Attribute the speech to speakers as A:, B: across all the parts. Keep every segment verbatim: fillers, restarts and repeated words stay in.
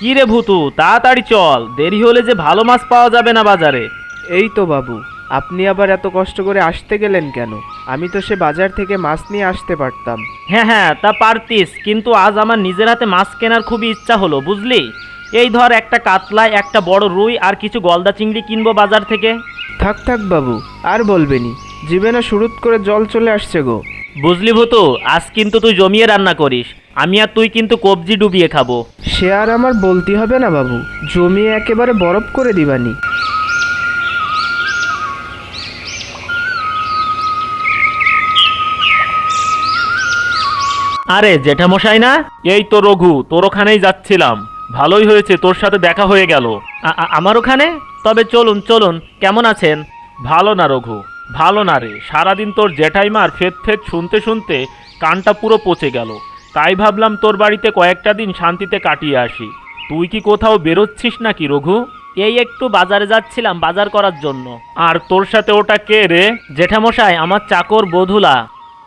A: কি রে ভূতু, তাড়াতাড়ি চল, দেরি হলে যে ভালো মাছ পাওয়া যাবে না বাজারে।
B: এই তো বাবু, আপনি আবার এত কষ্ট করে আসতে গেলেন কেন? আমি তো সে বাজার থেকে মাছ নিয়ে আসতে পারতাম।
A: হ্যাঁ হ্যাঁ, তা পারতিস, কিন্তু আজ আমার নিজের হাতে মাছ কেনার খুবই ইচ্ছা হলো, বুঝলি। এই ধর, একটা কাতলা, একটা বড় রুই আর কিছু গলদা চিংড়ি কিনবো বাজার থেকে।
B: থাক থাক বাবু, আর বলবেনি, জিভে না শুরুত করে জল চলে আসছে গো।
A: বুঝলি ভূতু, আজ কিন্তু তুই জমিয়ে রান্না করিস, আমি আর তুই কিন্তু কবজি ডুবিয়ে খাবো।
B: সে আর আমার বলতে হবে না বাবু, জমিয়ে একেবারে বরফ করে দিবানি।
A: আরে জেঠামশাই না? এই তো রঘু, তোর ওখানেই যাচ্ছিলাম। ভালোই হয়েছে তোর সাথে দেখা হয়ে গেল। আ- আ- আমার ওখানে? তবে চলুন চলুন, কেমন আছেন? ভালো না রঘু, ভালো না রে। সারাদিন তোর জেঠাইমার ফেদ ফেদ শুনতে শুনতে কানটা পুরো পচে গেল। তাই ভাবলাম তোর বাড়িতে কয়েকটা দিন শান্তিতে কাটিয়ে আসি। তুই কি কোথাও বেরোচ্ছিস নাকি রঘু? এই একটু বাজারে যাচ্ছিলাম বাজার করার জন্য। আর তোর সাথে ওটা কে রে? জেঠামশাই, আমার চাকর বধুলা।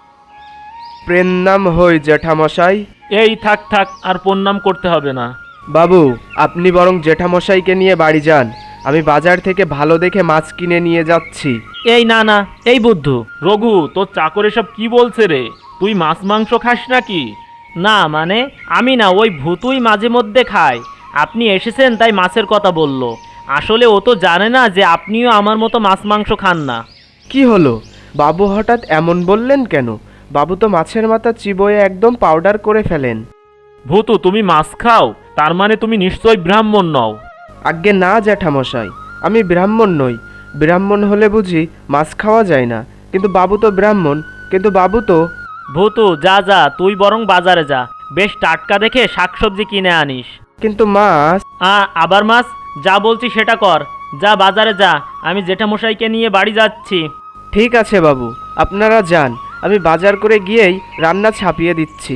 B: প্রেম হই জেঠামশাই।
A: এই থাক থাক, আর প্রণাম করতে হবে না।
B: বাবু, আপনি বরং জেঠামশাইকে নিয়ে বাড়ি যান, আমি বাজার থেকে ভালো দেখে মাছ কিনে নিয়ে যাচ্ছি।
A: এই না না, এই বুদ্ধু। রঘু, তোর চাকর এসব কি বলছে রে? তুই মাছ মাংস খাস নাকি? না মানে, আমি না, ওই ভূতুই মাঝে মধ্যে খায়। আপনি এসেছেন তাই মাছের কথা বলল। আসলে ও তো জানে না যে আপনিও আমার মতো মাছ মাংস খান না।
B: কি হলো বাবু, হঠাৎ এমন বললেন কেন? বাবু তো মাছের মাথা চিবোয়ে একদম পাউডার করে ফেলেন।
A: ভূতু, তুমি মাছ খাও, তার মানে তুমি নিশ্চয়ই ব্রাহ্মণ নও।
B: আজ্ঞে না জ্যাঠামশাই, আমি ব্রাহ্মণ নই। ব্রাহ্মণ হলে বুঝি মাছ খাওয়া যায় না? কিন্তু বাবু তো ব্রাহ্মণ, কিন্তু বাবু তো।
A: ভূতু, যা যা, তুই বরং বাজারে যা, বেশ টাটকা দেখে শাকসবজি কিনে আনিস।
B: কিন্তু মাছ।
A: আ আবার মাছ? যা বলছি সেটা কর, যা বাজারে যা, আমি জেঠামশাইকে নিয়ে বাড়ি যাচ্ছি।
B: ঠিক আছে বাবু, আপনারা যান, আমি বাজার করে গিয়েই রান্না ছাপিয়ে দিচ্ছি।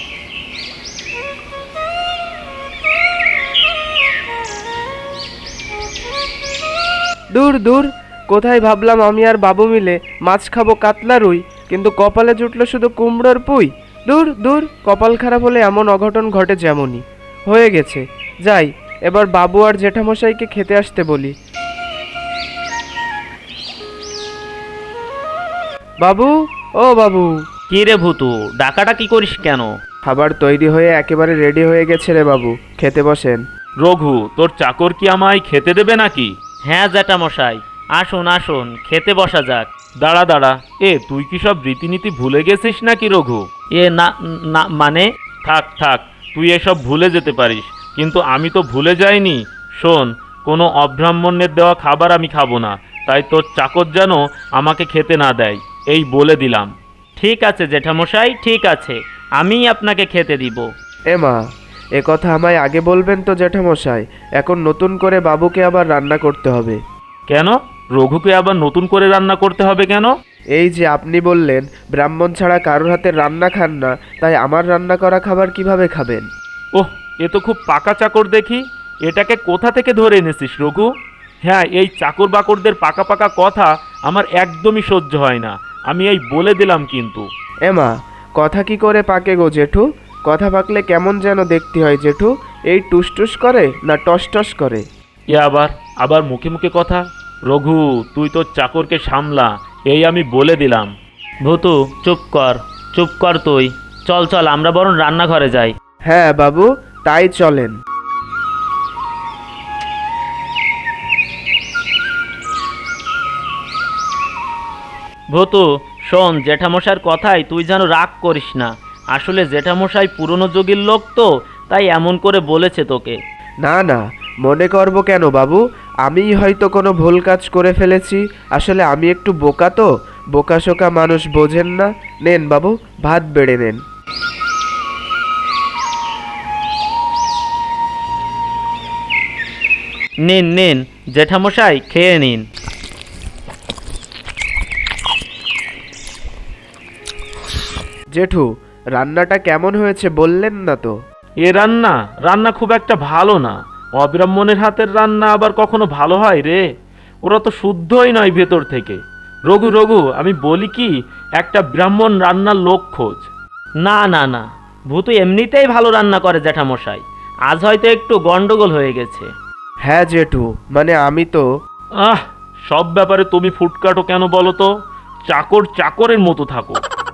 B: দূর দূর, কোথায় ভাবলাম আমি আর বাবু মিলে মাছ খাবো কাতলা রুই, কিন্তু কপালে জুটলো শুধু কুমড়োর পুই। দূর দূর, কপাল খারাপ হলে এমন অঘটন ঘটে যেমনই হয়ে গেছে। যাই, এবার বাবু আর জেঠামশাইকে খেতে আসতে বলি। বাবু, ও বাবু।
A: কি রে ভূতু, ডাকাটা কি করিস কেন?
B: খাবার তৈরি হয়ে একেবারে রেডি হয়ে গেছে রে বাবু, খেতে বসেন।
A: রঘু, তোর চাকর কি আমায় খেতে দেবে নাকি? হ্যাঁ জ্যাঠামশাই, আসুন আসুন, খেতে বসা যাক। দাঁড়া দাঁড়া, এ তুই কি সব রীতিনীতি ভুলে গেছিস নাকি রঘু? এ না না মানে। থাক থাক, তুই এসব ভুলে যেতে পারিস, কিন্তু আমি তো ভুলে যাইনি। শোন, কোনো অব্রাহ্মণ্যের দেওয়া খাবার আমি খাবো না, তাই তোর চাকর যেন আমাকে খেতে না দেয়, এই বলে দিলাম। ঠিক আছে জেঠামশাই, ঠিক আছে, আমিই আপনাকে খেতে দিব।
B: এ মা, এ কথা আমায় আগে বলবেন তো জ্যাঠামশাই, এখন নতুন করে বাবুকে আবার রান্না করতে হবে।
A: কেন? রঘুকে আবার নতুন করে রান্না করতে হবে কেন?
B: এই যে আপনি বললেন ব্রাহ্মণ ছাড়া কারোর হাতে রান্না খান না, তাই আমার রান্না করা খাবার কিভাবে খাবেন?
A: ওহ, এ তো খুব পাকা চাকর দেখি। এটাকে কোথা থেকে ধরে এনেছিস রঘু? হ্যাঁ, এই চাকর বাকরদের পাকা পাকা কথা আমার একদমই সহ্য হয় না, আমি এই বলে দিলাম কিন্তু।
B: এ মা, কথা কি করে পাকে গো জেঠু? কথা পাকলে কেমন যেন দেখতে হয় জেঠু, এই টুসটুস করে না টস টস করে?
A: এ আবার আবার মুখে মুখে কথা। রঘু, তুই তোর চাকরকে সামলা, এই আমি বলে দিলাম। ভূতু, চুপ কর, চুপ কর তুই। চল চল, আমরা বরং রান্নাঘরে যাই।
B: হ্যাঁ বাবু, তাই চলেন।
A: ভূতু শোন, জেঠামশাইয়ের কথায় তুই যেন রাগ করিস না। আসলে জেঠামশাই পুরনো যুগের লোক তো, তাই এমন করে বলেছে তোকে।
B: না না, মনে করব কেন বাবু, আমিই হয়তো কোনো ভুল কাজ করে ফেলেছি। আসলে আমি একটু বোকা তো, বোকাশোকা মানুষ বোঝেন না। নেন বাবু, ভাত বেড়ে নেন।
A: নিন নিন জেঠামশাই, খেয়ে নিন।
B: জেঠু, রান্নাটা কেমন হয়েছে বললেন না তো?
A: এ রান্না রান্না খুব একটা ভালো না। অব্রাহ্মণের হাতের রান্না আবার কখনো ভালো হয় রে? ওরা তো শুদ্ধই নয় ভেতর থেকে। রঘু রঘু, আমি বলি কি, একটা ব্রাহ্মণ রান্নার লোক খোঁজ। না না না, ভূতু এমনিতেই ভালো রান্না করে জ্যাঠামশাই, আজ হয়তো একটু গন্ডগোল হয়ে গেছে।
B: হ্যাঁ জেঠু, মানে আমি তো
A: আহ, সব ব্যাপারে তুমি ফুটকাটো কেন বলো তো? চাকর চাকরের মতো থাকো।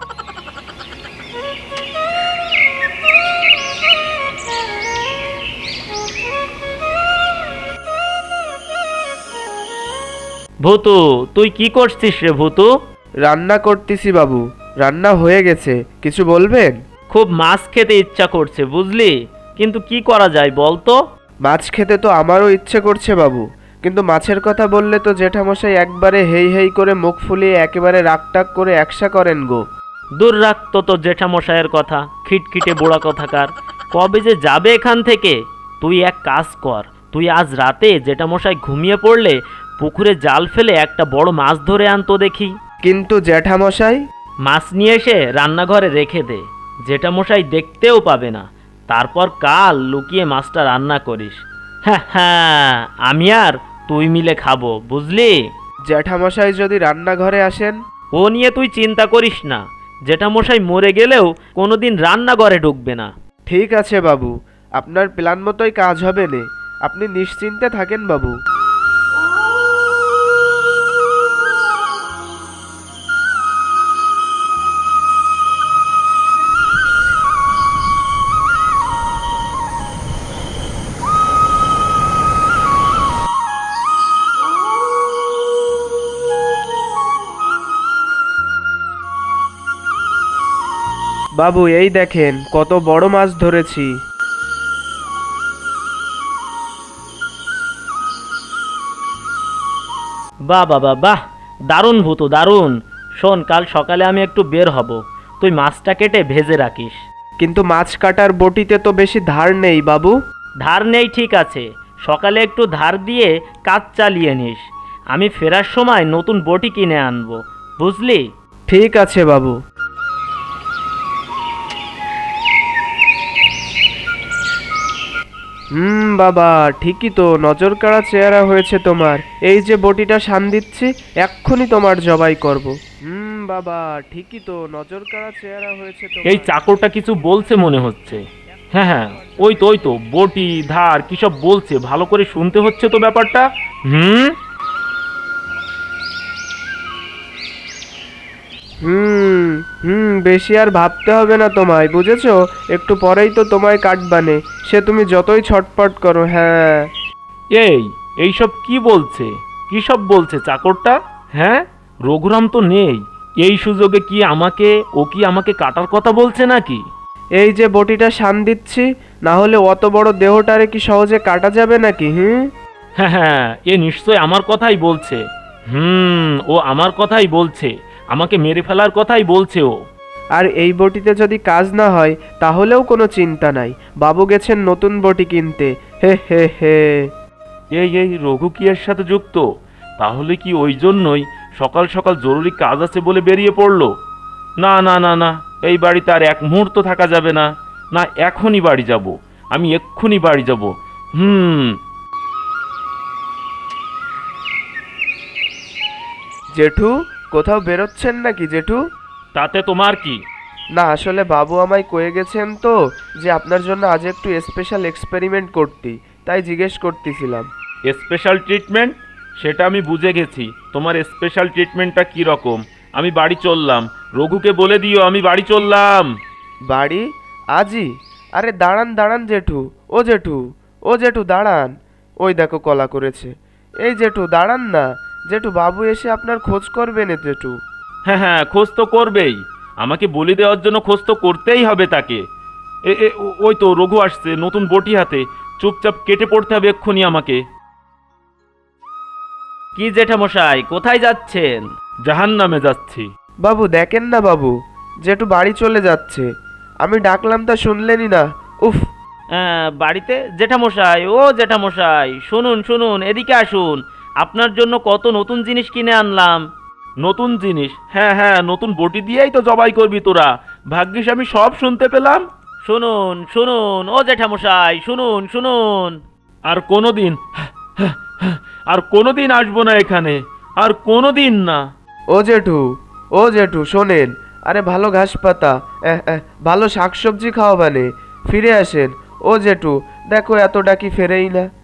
A: ভূতু, তুই কি করছিস রে ভূতু?
B: রান্না করতেছি বাবু, রান্না হয়ে গেছে, কিছু বলবেন?
A: খুব মাছ খেতে ইচ্ছা করছে বুঝলি, কিন্তু কি করা যায় বল তো?
B: মাছ খেতে তো আমারও ইচ্ছে করছে বাবু, কিন্তু মাছের কথা বললে তো জেঠামশাই একবারে হেই হেই করে মুখ ফুলিয়ে একেবারে রাগটাক করে একসা করেন গো।
A: দূর রাখতো তো জেঠামশাইয়ের কথা, খিটখিটে বুড়া কথাকার। কবে যে যাবে এখান থেকে? তুই এক কাজ কর, তুই আজ রাতে জেঠামশাই ঘুমিয়ে পড়লে পুকুরে জাল ফেলে একটা বড় মাছ ধরে আনতো দেখি।
B: কিন্তু জ্যাঠামশাই?
A: মাছ নিয়ে এসে রান্নাঘরে রেখে দে, জেঠামশাই দেখতেও পাবে না। তারপর কাল লুকিয়ে মাছটা রান্না করিস। হ্যাঁ হ্যাঁ, আমি আর তুই মিলে খাবো বুঝলি।
B: জ্যাঠামশাই যদি রান্নাঘরে আসেন?
A: ও নিয়ে তুই চিন্তা করিস না, জেঠামশাই মরে গেলেও কোনোদিন রান্নাঘরে ঢুকবে না।
B: ঠিক আছে বাবু, আপনার প্ল্যান মতোই কাজ হবে নে, আপনি নিশ্চিন্তে থাকেন বাবু। বাবু এই দেখেন কত বড় মাছ ধরেছি।
A: বাহ বাবা বাহ, দারুণ ভূতু দারুণ। শোন, কাল সকালে আমি একটু বের হব, তুই মাছটা কেটে ভেজে রাখিস।
B: কিন্তু মাছ কাটার বটিতে তো বেশি ধার নেই বাবু।
A: ধার নেই ঠিক আছে, সকালে একটু ধার দিয়ে কাজ চালিয়ে নিস। আমি ফেরার সময় নতুন বটি কিনে আনবো বুঝলি।
B: ঠিক আছে বাবু। হুম বাবা, ঠিকই তো, নজর কাড়া চেহারা হয়েছে তোমার। এই যে বটিটা শান দিচ্ছি, এক্ষুনি তোমার জবাই করব। হুম বাবা, ঠিকই তো, নজর কাড়া চেহারা হয়েছে তোমার।
A: এই চাকরটা কিছু বলছে মনে হচ্ছে। হ্যাঁ হ্যাঁ, ওই তো ওই তো বটি ধার কি সব বলছে, ভালো করে শুনতে হচ্ছে তো ব্যাপারটা। হুম
B: হুম হুম বেশি আর ভাবতে হবে না তোমায়, বুঝেছো? একটু পরেই তো তোমায় কাটবানে, সে তুমি যতই ছটপট করো। হ্যাঁ।
A: এই এইসব কি বলছে, কি সব বলছে চাকরটা? হ্যাঁ, রঘুরাম তো নেই, এই সুযোগে কি আমাকে, ও কি আমাকে কাটার কথা বলছে নাকি?
B: এই যে বটিটা শান দিচ্ছি, না হলে অত বড় দেহটারে কি সহজে কাটা যাবে নাকি? হুম।
A: হ্যাঁ হ্যাঁ, এ নিশ্চয় আমার কথাই বলছে। হুম, ও আমার কথাই বলছে, আমাকে মেরে ফেলার কথাই বলছে ও।
B: আর এই বটিতে যদি কাজ না হয় তাহলেও কোনো চিন্তা নাই, বাবু গেছেন নতুন বটি কিনতে। হে হে হে।
A: এই এই রঘু কি এর সাথে যুক্ত? তাহলে কি ওই জন্যই সকাল সকাল জরুরি কাজ আছে বলে বেরিয়ে পড়লো? না না না না, এই বাড়িতে আর এক মুহূর্ত থাকা যাবে না। না, এখনই বাড়ি যাব, আমি এক্ষুনি বাড়ি যাব। হুম।
B: জেঠু, কোথাও বেরোচ্ছেন নাকি জেঠু?
A: তাতে তোমার কি?
B: না আসলে বাবু আমায় কয়ে গেছেন তো যে আপনার জন্য আজ একটু স্পেশাল এক্সপেরিমেন্ট করতি, তাই জিজ্ঞেস করতেছিলাম।
A: Special treatment? সেটা আমি বুঝে গেছি, তোমার স্পেশাল ট্রিটমেন্টটা কী রকম। আমি বাড়ি চললাম, রঘুকে বলে দিও আমি বাড়ি চললাম।
B: বাড়ি? আজই? আরে দাঁড়ান দাঁড়ান জেঠু, ও জেঠু, ও জেঠু দাঁড়ান। ওই দেখো কলা করেছে। এই জেঠু দাঁড়ান না, জেঠু বাবু এসে আপনার খোঁজ করবে না জেঠু।
A: হ্যাঁ হ্যাঁ, খোঁজ তো করবেই, আমাকে বলি দেওয়ার জন্য খোঁজ তো করতেই হবে তাকে। এ এ, ও- ওই তো রঘু আসছে নতুন বটি হাতে, চুপচাপ কেটে পড়তে হবে এক্ষুনি আমাকে। কি জেঠামশাই, কোথায় যাচ্ছেন? জাহান্নামে যাচ্ছি।
B: বাবু দেখেন না বাবু, জেঠু বাড়ি চলে যাচ্ছে। আমি ডাকলাম তা শুনলেনই না। উফ।
A: আহ, বাড়িতে? জেঠামশাই, ও জেঠামশাই, শুনুন শুনুন, এদিকে আসুন, আপনার জন্য কত নতুন জিনিস কিনে আনলাম। নতুন জিনিস? হ্যাঁ হ্যাঁ, নতুন বটি দিয়েই তো জবাই করবি তোরা, ভাগ্যিস আমি সব শুনতে পেলাম। শুনুন শুনুন ও জেঠামশাই, শুনুন শুনুন। আর কোনোদিন, আর কোনোদিন আসবো না এখানে, আর কোনোদিন না।
B: ও জেঠু, ও জেঠু শোনেন, আরে ভালো ঘাস পাতা, এহ, এহ, ভালো শাকসবজি খাওয়াবানে, ফিরে আসেন। ও জেঠু, দেখো এত ডাকি ফেরেই না।